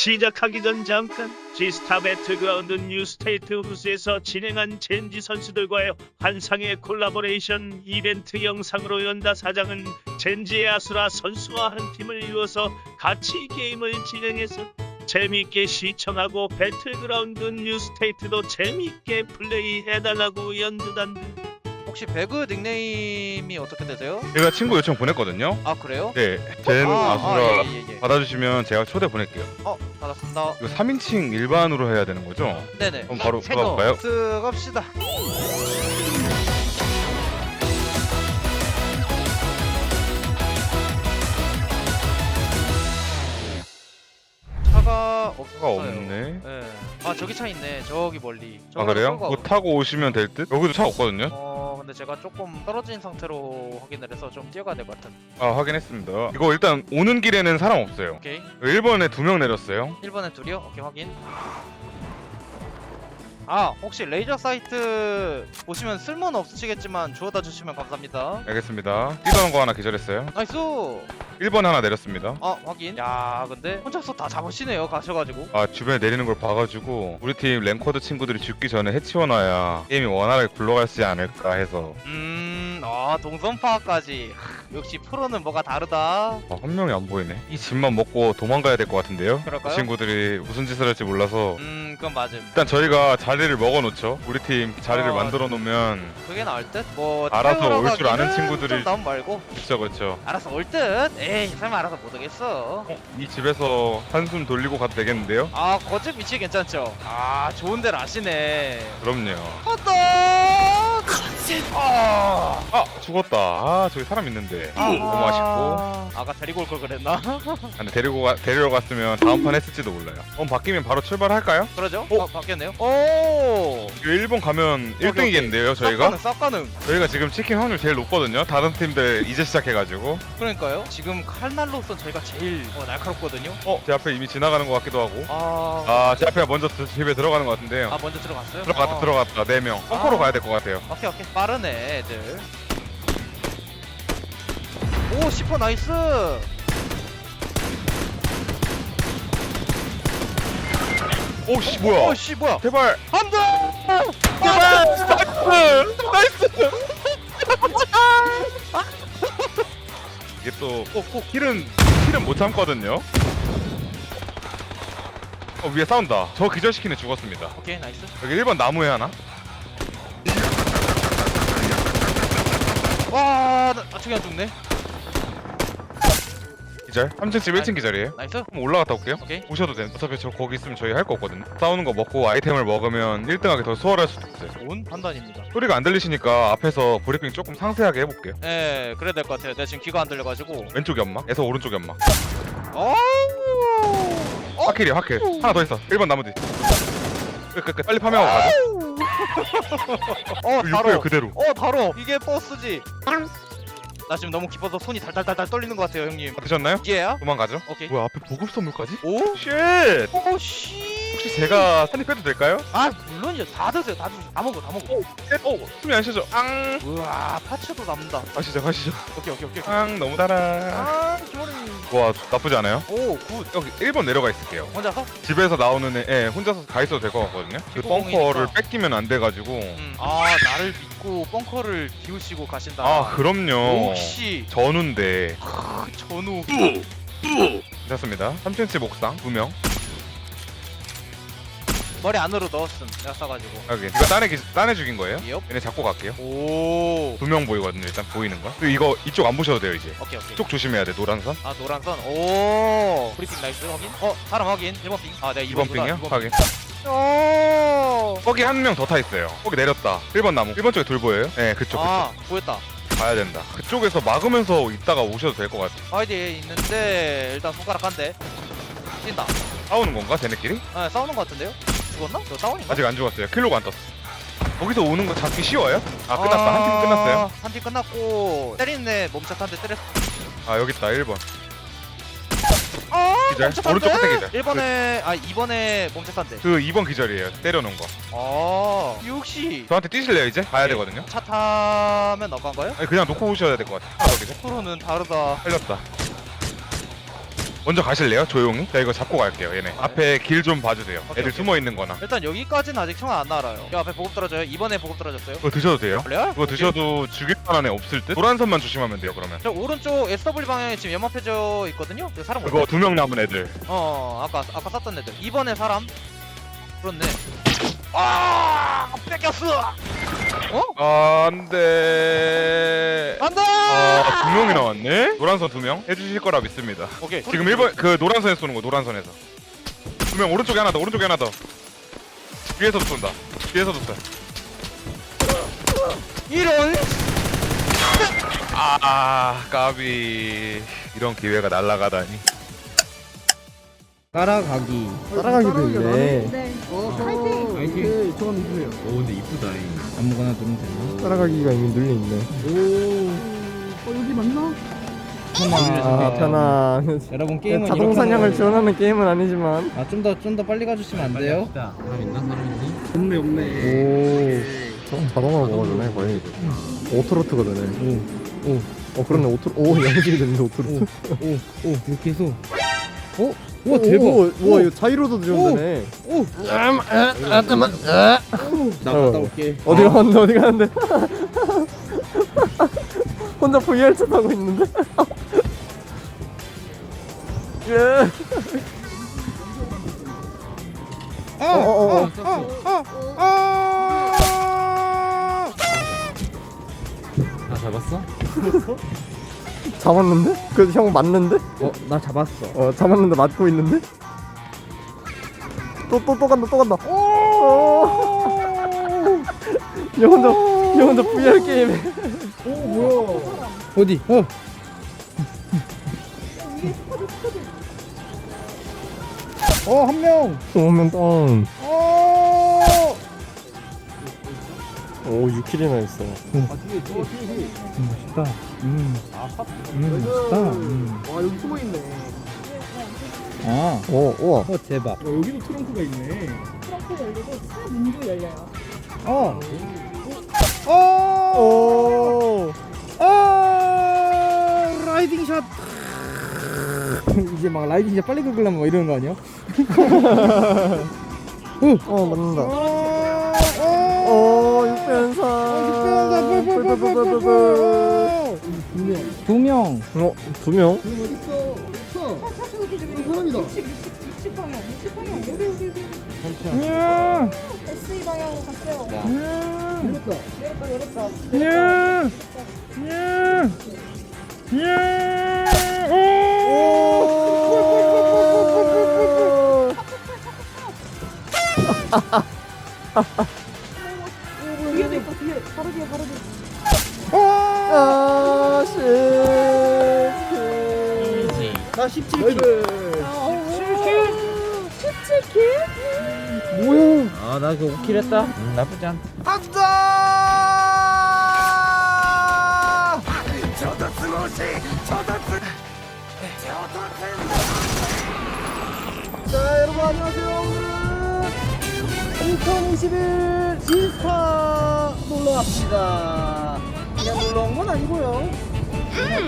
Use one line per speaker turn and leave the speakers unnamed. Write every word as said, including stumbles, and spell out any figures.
시작하기 전 잠깐 지스타 배틀그라운드 뉴스테이트 후스에서 진행한 젠지 선수들과의 환상의 콜라보레이션 이벤트 영상으로 연다 사장은 젠지의 아수라 선수와 한 팀을 이루어서 같이 게임을 진행해서 재미있게 시청하고 배틀그라운드 뉴스테이트도 재미있게 플레이해달라고 연두단다.
혹시 배그 닉네임이 어떻게 되세요?
제가 친구 요청 보냈거든요.
아 그래요?
네, 젠
아,
아수라
아, 예, 예, 예.
받아주시면 제가 초대 보낼게요.
어 받았습니다.
이거 삼 인칭 일반으로 해야 되는 거죠?
네네.
그럼 바로 들어가볼까요?
들어갑시다. 차가 없어요.
차가 없네.
네. 아 저기 차 있네. 저기 멀리.
아
저기로
그래요?
끌고
그거
가고.
타고 오시면 될 듯? 여기도 차 없거든요?
어 근데 제가 조금 떨어진 상태로 확인을 해서 좀 뛰어가야 될 것 같은.
아 확인했습니다. 이거 일단 오는 길에는 사람 없어요.
오케이.
일 번에 두 명 내렸어요.
일 번에 둘이요? 오케이 확인. 아 혹시 레이저 사이트 보시면 쓸모는 없으시겠지만 주워다 주시면 감사합니다.
알겠습니다. 뛰던 거 하나 기절했어요.
나이스.
일 번 하나 내렸습니다.
아 확인. 야 근데 혼자서 다 잡으시네요 가셔가지고.
아 주변에 내리는 걸 봐가지고 우리 팀 랭커드 친구들이 죽기 전에 해치워놔야 게임이 원활하게 굴러가지 않을까 해서
음아 동선 파악까지. 역시 프로는 뭐가 다르다.
아, 한 명이 안 보이네. 이 집만 먹고 도망가야 될 것 같은데요?
그럴까요?
이 친구들이 무슨 짓을 할지 몰라서
음 그건 맞음.
일단 저희가 자리를 먹어놓죠. 우리 팀 자리를
어,
만들어 놓으면
그게 나을 듯? 뭐
알아서
태우러
올 줄 아는
가기는
친구들이-
좀 나온 말고
그쵸 그쵸.
알아서 올 듯? 에이 설마 알아서 못 오겠어.
어, 이 집에서 한숨 돌리고 가도 되겠는데요?
아 거짓 위치 괜찮죠? 아 좋은 데를 아시네.
그럼요.
헛떡! 아,
아 죽었다. 아 저기 사람 있는데. 너무 아쉽고.
아까 데리고 올 걸 그랬나?
아, 근데 데리고 가, 데리러 갔으면 다음 판 했을지도 몰라요. 어 바뀌면 바로 출발할까요?
그러죠?
어?
아, 바뀌었네요. 오!
이거 일 번 가면
오케이,
일 등이겠는데요 저희가?
쌉가능 쌉가능.
저희가 지금 치킨 확률 제일 높거든요. 다른 팀들 이제 시작해가지고.
그러니까요. 지금 칼날로선 저희가 제일 어, 날카롭거든요.
어? 제 앞에 이미 지나가는 것 같기도 하고.
아,
아, 제 앞에 먼저 드- 집에 들어가는 것 같은데요.
아 먼저 들어갔어요?
들어갔다,
아.
들어갔다. 네 명. 펑커로
아.
가야 될 것 같아요.
오케이 오케이 빠르네 애들. 오 시퍼 나이스.
오, 씨, 뭐야?
오씨 뭐야?
제발!
안돼.
제발! 나이스! 이게 또, 꼭, 꼭, 힐은, 힐은 못 참거든요? 어, 위에 싸운다. 저 기절시키네 죽었습니다.
오케이 나이스.
여기 일 번 나무에 하나?
와, 나, 아, 저기 안 죽네.
기절? 삼 층 집 일 층 기절이에요?
나이스.
그럼 올라갔다 올게요.
오케이.
오셔도 돼요. 어차피 저 거기 있으면 저희 할 거 없거든요. 싸우는 거 먹고 아이템을 먹으면 일 등하기 더 수월할 수도 있어요.
좋은 판단입니다.
소리가 안 들리시니까 앞에서 브리핑 조금 상세하게 해볼게요.
예, 그래야 될 것 같아요. 내가 지금 귀가 안 들려가지고.
왼쪽 연막, 에서 오른쪽 연막.
어? 어?
화킬이야 화킬. 하나 더 있어. 일 번 나무 뒤. 끝끝끝 빨리 파밍하고 가자.
어,
육배율
다뤄.
그대로.
어, 다뤄. 이게 버스지. 나 지금 너무 기뻐서 손이 달달달달 떨리는 것 같아요, 형님.
다 드셨나요?
얘야?
도망가죠.
오케이.
뭐야 앞에 보급 선물까지?
오?
쉣!
오, 씨.
혹시 제가 산입 빼도 될까요?
아, 물론이죠. 다 드세요. 다 드세요. 다 먹어, 다 먹어.
쉣! 어 숨이 안 쉬어져. 앙!
우와, 파츠도 남다.
가시죠 가시죠.
오케이, 오케이, 오케이.
앙 너무 달아.
아, 기머리.
와 나쁘지 않아요?
오, 굿.
여기 일 번 내려가 있을게요.
혼자서?
집에서 나오는 애, 예, 혼자서 가 있어도 될 것 같거든요. 그
기본공이니까.
벙커를 뺏기면 안 돼가지고.
음. 아, 나를 믿고 벙커를 비우시고 가신다.
아 그럼요.
역시.
전우인데.
크, 전우.
됐습니다. 삼 층집 옥상 두 명.
머리 안으로 넣었음. 내가 싸가지고.
여기 이거 딴애 기- 딴애 죽인 거예요?
엽.
얘네 잡고 갈게요.
오.
두 명 보이거든요. 일단 보이는 거. 그리고 이거 이쪽 안 보셔도 돼요 이제.
오케이 오케이.
이쪽 조심해야 돼. 노란 선.
아 노란 선. 오. 브리핑 나이스 확인. 어 사람 확인. 일 번 핑. 아 내가
이 번
이
핑이요? 확인.
오.
거기 한 명 더 타 있어요. 거기 내렸다. 일 번 나무. 일 번 쪽에 돌 보여요? 네, 그쪽.
아 보였다.
그쪽. 가야 된다. 그쪽에서 막으면서 있다가 오셔도 될 것 같아.
아이디에 있는데 일단 손가락 한 대. 뛴다.
싸우는 건가? 쟤네끼리?
아 싸우는 것 같은데요? 죽었나? 저 다운인가?
아직 안 죽었어요. 킬로가 안 떴어. 거기서 오는 거 잡기 쉬워요? 아 끝났다. 한 팀 끝났어요.
한 팀 끝났고 때리는 애 멈춰 한대 때렸어.
아 여기 있다. 일 번.
아
기절. 오른쪽 끝에 기절.
일 번에 아 이 번에 멈춰 한대.
그 이 번 기절이에요. 때려놓은 거.
아 역시
저한테 뛰실래요 이제? 가야
네.
되거든요.
차 타면 나간가요?
아니, 그냥 놓고 오셔야 될 것 같아. 하나 더 기절.
프로는 다르다.
살렸다. 먼저 가실래요? 조용히? 자 이거 잡고 갈게요 얘네. 앞에 길 좀 봐주세요.
오케이,
애들
오케이.
숨어 있는 거나.
일단 여기까지는 아직 총 안 알아요. 여 앞에 보급 떨어져요. 이번에 보급 떨어졌어요.
그거 드셔도 돼요?
원래요?
그거 드셔도 죽일 만한 애 없을 듯? 노란 선만 조심하면 돼요 그러면.
저 오른쪽 에스더블유 방향에 지금 연막해져 있거든요. 그 사람
그거 두 명 남은 애들.
어 아까 아까 쐈던 애들. 이번에 사람. 그렇네. 아 뺏겼어. 어?
안돼.
안돼.
아, 두 명이 나왔네? 노란선 두 명? 해주실 거라 믿습니다.
오케이.
지금 일 번, 그 노란선에서 쏘는 거, 노란선에서. 두 명, 오른쪽에 하나 더, 오른쪽에 하나 더. 뒤에서도 쏜다. 뒤에서도 쏴.
이런.
아, 까비. 이런 기회가 날아가다니.
따라가기.
따라가기도 있네.
네.
파이팅.
오케이, 저는 누구예요?
오 근데 이쁘다. 아무거나 누르면 되나?
따라가기가 이미 눌려있네.
오.
어, 여기 맞나?
아, 편안.
여러분 게임은
자동 사냥을 지원하는 게임은 아니지만.
아좀 더 좀 더 빨리 가주시면 안 돼요? 사람 있나? 사람 있니?
없네, 없네.
오, 자, 자동으로 먹어주네, 거의. 오토로트가 되네. 오, 오. 어, 그러네, 오토, 오, 양식이 됐는데, 오토로트.
오, 오 이렇게 해서. 오,
오,
와 대박.
오, 와, 이거 자이로도 지원되네.
오.
음, 아, 아, 잠깐만. 아.
나
어.
갔다 올게.
어디 가는데, 어디 가는데. 혼자 브이알 챗 하고 있는데. 예. 어, 어, 어.
나 잡았어?
잡았는데? 그래도 형 맞는데?
어, 나 잡았어.
어, 잡았는데 맞고 있는데? 또, 또, 또 간다, 또 간다. 오! 얘 혼자, 얘 혼자 브이알 게임해.
어디? 어. 어, 한 명.
오면 다운.
어.
오, 육 킬이나 했어.
음, 멋있다. 음. 음, 멋있다. 음.
와, 여기 숨어 있네.
아.
오, 우와.
어, 대박.
어, 여기도 트렁크가 있네.
트렁크 열리고 차 문도 열려요.
어. 어.
오.
어. 라이딩 샷. 이제 막 라이딩 샷 빨리 긁으려면 막 이러는 거 아니야?
어, 맞는다.
어.
오, 육변사.
두 명.
어, 두 명?
사람이다.
육십 방향, 육십 방향. 여기, 여기, 여기.
야.
에스이 방향으로 갔어요.
야.
이겼다.
내렸다, 내렸다.
야. 야. 야.
뒤에도 있어, 뒤에. 바로 뒤에, 바로 뒤에.
아, 씨.
나 십칠 킬.
십칠 킬?
뭐야? 아, 나 그 오 킬 했다. 음, 나쁘지 않다.
자, 여러분 안녕하세요. 오늘은 이천이십일 지스타 놀러 갑시다. 그냥 놀러 온 건 아니고요.